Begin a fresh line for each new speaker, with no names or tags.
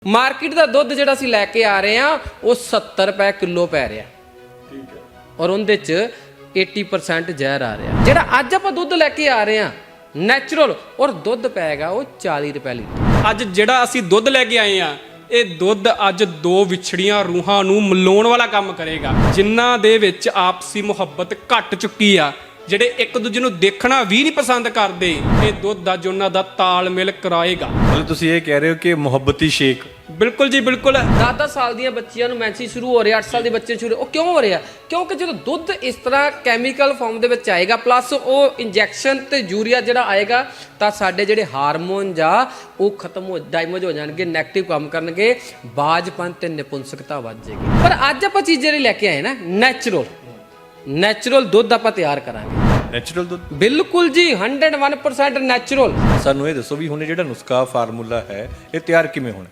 Market ਦਾ ਦੁੱਧ ਜਿਹੜਾ ਅਸੀਂ ਲੈ ਕੇ ਆ ਰਹੇ ਆ ਉਹ 70 ਰੁਪਏ ਕਿਲੋ ਪੈ ਰਿਹਾ।
ਠੀਕ ਹੈ।
ਔਰ ਉਹਦੇ ਚ 80% ਜ਼ਹਿਰ ਆ ਰਿਹਾ। ਜਿਹੜਾ ਅੱਜ ਆਪਾਂ ਦੁੱਧ ਲੈ ਕੇ ਆ ਰਹੇ ਆ ਨੈਚੁਰਲ ਔਰ ਦੁੱਧ ਪੈਗਾ ਉਹ 40 ਰੁਪਏ ਲੀਟਰ।
ਅੱਜ ਜਿਹੜਾ ਅਸੀਂ ਦੁੱਧ ਲੈ ਕੇ ਆਏ ਆ ਇਹ ਦੁੱਧ ਅੱਜ ਦੋ ਵਿਛੜੀਆਂ ਰੂਹਾਂ ਨੂੰ ਮਿਲਾਉਣ ਵਾਲਾ ਕੰਮ ਕਰੇਗਾ, ਜਿਨ੍ਹਾਂ ਦੇ ਵਿੱਚ ਆਪਸੀ ਮੁਹੱਬਤ ਘਟ ਚੁੱਕੀ ਆ, ਜਿਹੜੇ ਇੱਕ ਦੂਜੇ ਨੂੰ ਦੇਖਣਾ ਵੀ ਨਹੀਂ ਪਸੰਦ ਕਰਦੇ। ਇਹ ਦੁੱਧ ਅੱਜ ਉਹਨਾਂ ਦਾ ਤਾਲਮੇਲ ਕਰਾਏਗਾ।
ਮਤਲਬ ਤੁਸੀਂ ਇਹ ਕਹਿ ਰਹੇ ਹੋ ਕਿ ਮੁਹੱਬਤੀ ਸ਼ੇਕ।
ਬਿਲਕੁਲ ਜੀ ਬਿਲਕੁਲ।
10 ਸਾਲ ਦੀਆਂ ਬੱਚੀਆਂ ਨੂੰ ਮੈਂਸੀ ਸ਼ੁਰੂ ਹੋ ਰਿਹਾ, 8 ਸਾਲ ਦੇ ਬੱਚੇ ਸ਼ੁਰੂ ਉਹ ਕਿਉਂ ਹੋ ਰਿਹਾ? ਕਿਉਂਕਿ ਜਦੋਂ ਦੁੱਧ ਇਸ ਤਰ੍ਹਾਂ ਕੈਮੀਕਲ ਫਾਰਮ ਦੇ ਵਿੱਚ ਆਏਗਾ ਪਲੱਸ ਉਹ ਇੰਜੈਕਸ਼ਨ ਤੇ ਯੂਰੀਆ ਜਿਹੜਾ ਆਏਗਾ ਤਾਂ ਸਾਡੇ ਜਿਹੜੇ ਹਾਰਮੋਨ ਜਾਂ ਉਹ ਖਤਮ ਹੋ ਡਾਇਮੇਜ ਹੋ ਜਾਣਗੇ, ਨੈਗੇਟਿਵ ਕੰਮ ਕਰਨਗੇ, ਬਾਜਪਨ ਤੇ ਨਿਪੁੰਸਕਤਾ ਵੱਧ ਜਾਏਗੀ। ਪਰ ਅੱਜ ਆਪਾਂ ਚੀਜ਼ ਜਿਹੜੀ ਲੈ ਕੇ ਆਏ ਨਾ ਨੈਚੁਰਲ ਦੁੱਧ ਆਪਾਂ ਤਿਆਰ ਕਰਾਂਗੇ।
ਨੈਚੁਰਲ ਦੁੱਧ
ਬਿਲਕੁਲ ਜੀ 101% ਨੈਚੁਰਲ।
ਸਾਨੂੰ ਇਹ ਦੱਸੋ ਵੀ ਹੁਣ ਇਹ ਜਿਹੜਾ ਨੁਸਖਾ ਫਾਰਮੂਲਾ ਹੈ ਇਹ ਤਿਆਰ ਕਿਵੇਂ ਹੋਣਾ?